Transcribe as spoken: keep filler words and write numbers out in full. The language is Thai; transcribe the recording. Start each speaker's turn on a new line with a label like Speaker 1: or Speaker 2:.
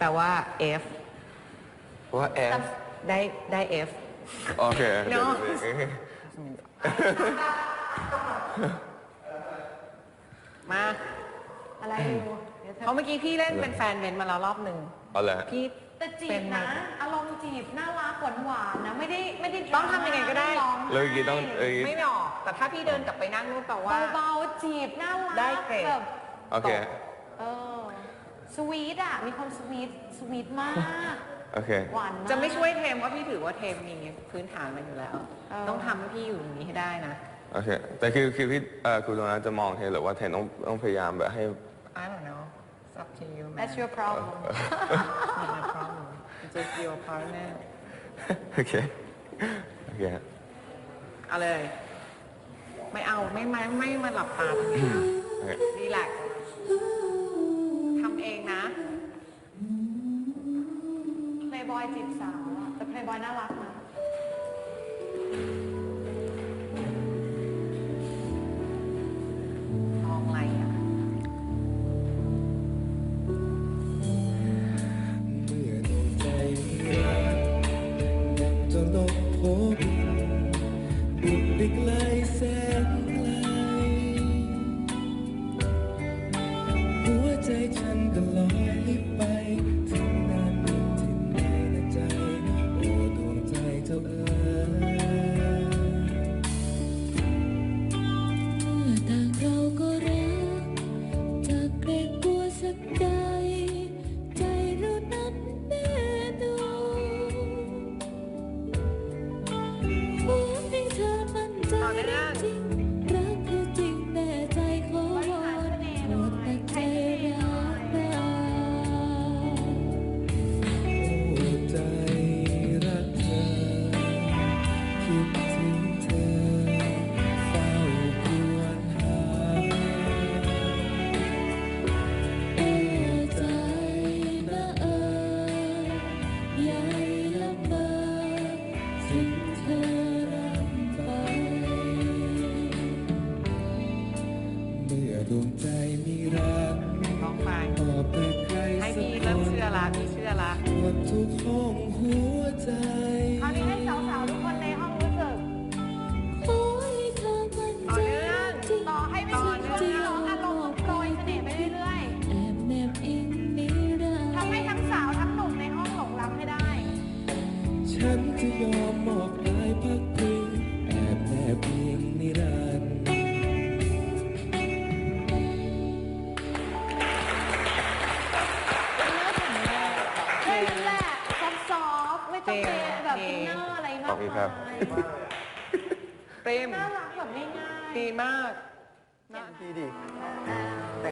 Speaker 1: ลว่า F
Speaker 2: ว่า F
Speaker 1: ได้ได้ F
Speaker 2: โอเค
Speaker 1: เนาะมาอะไรอยู่เพราะเมื่อกี้พี่เล่นเป็นแฟนเบนมาแล้วรอบหนึ่ง
Speaker 2: เอาละ
Speaker 1: พี่
Speaker 3: แต่จีบนะอารมณ์จีบน่ารักหวานหวานนะไม่ได้ไม่ได้
Speaker 1: ต้องทำยังไงก็ได้
Speaker 2: เลยกี้ต้องเอ้ย
Speaker 1: ไม่ออกแต่ถ้าพี่เดินกลับไปนั่งนู่นแปลว่า
Speaker 3: เบาๆจีบน่ารัก
Speaker 1: ได้เกรด
Speaker 3: แบบ
Speaker 2: โอเค
Speaker 3: เออสวีทอ่ะมีความสวีทสวีทมาก
Speaker 2: โอเค
Speaker 3: หวานมาก
Speaker 1: จะไม่ช่วยเทมว่าพี่ถือว่าเทมมีพื้นฐานมันอยู่แล้ว ต้องทำให้พี่อยู่อย่างนี้ให้ได้นะ
Speaker 2: โอเค แต่คือคือพี่เอ่อคุณตรงนั้นจะมองเทนหรือว่าเทนต้องต้องพยายามแบบให้
Speaker 1: I don't know it's up to you man
Speaker 3: That's your problem
Speaker 1: not my problem it's just your partner
Speaker 2: โอเค โอเค
Speaker 1: เอาเลย ไม่เอาไม่ไม่ไม่มาหลับตาตรงนี้นะ
Speaker 2: โอเค
Speaker 1: รีแลกซ์ทำเองนะ
Speaker 3: Playboy จีบสาวอะแต่ Playboy น่ารักนะ
Speaker 1: มองอะไรอ่ะ
Speaker 4: เมื่อดวงใจรักดังจนนกพบบุกไปไกลแสนไกลหัวใจฉันก็ลอยไปถึงนั้นถึงไหนนะใจโอ้ดวงใจเจ้าเอ๋ย
Speaker 5: เมื่อต่างเราก็รักจากเกรงกลัวสักใดใจเรานั้นแน่นอนหวังให้เธอมั่นใจรักจริงรักคือจริงแน่ใจขอวอนโปรดตัดใจรักเรา
Speaker 4: โอ้ใจรักเธอคิดถึงเธอเฝ้าครวญหา
Speaker 5: โอ้ใจนะเอ่ยใหญ่ลำบากสิ่งเธอรำไป
Speaker 4: เมื่อดวงใจมีรัก
Speaker 1: ลองไป
Speaker 4: ตอบแต่ใคร
Speaker 1: ให้
Speaker 4: สัก
Speaker 1: พี่
Speaker 4: ค
Speaker 1: เริ่ม
Speaker 4: น
Speaker 1: เชื่อละพี่เชื่อละ
Speaker 4: หมดทุกห้องหัวใจ
Speaker 3: คราวนี้ให้สาวๆทุกคนในห้องรู้สึก
Speaker 5: ขอให้เธอมั่น
Speaker 1: ต่อ
Speaker 5: ใจ
Speaker 1: เนื่อง
Speaker 5: จริง
Speaker 3: ต่อให้ไม่มีช่วงที่ร้องอารมณ์โปรยเสน่ห์ไปเรื่อย
Speaker 5: แอบแนบอิงนิรัน
Speaker 3: ๆ
Speaker 5: ด
Speaker 3: ทำให้
Speaker 5: ร์
Speaker 3: ทั้งสาวทั้งหนุ่มในห้องหลงรักให้ได้
Speaker 4: ฉันจะยอมมอบกายพักพิงแอบแนบอิงนิรันดร์
Speaker 3: แค่นั้นแหละซอฟต์ๆไม่ต้องเป็นแบบอินเนอร์อะไรมาก
Speaker 2: ขอบคุณครับ
Speaker 3: มาย
Speaker 1: เต็ม
Speaker 3: น่ารักแบบง่ายๆ
Speaker 1: ดีมาก
Speaker 2: ดีดี
Speaker 3: อ่า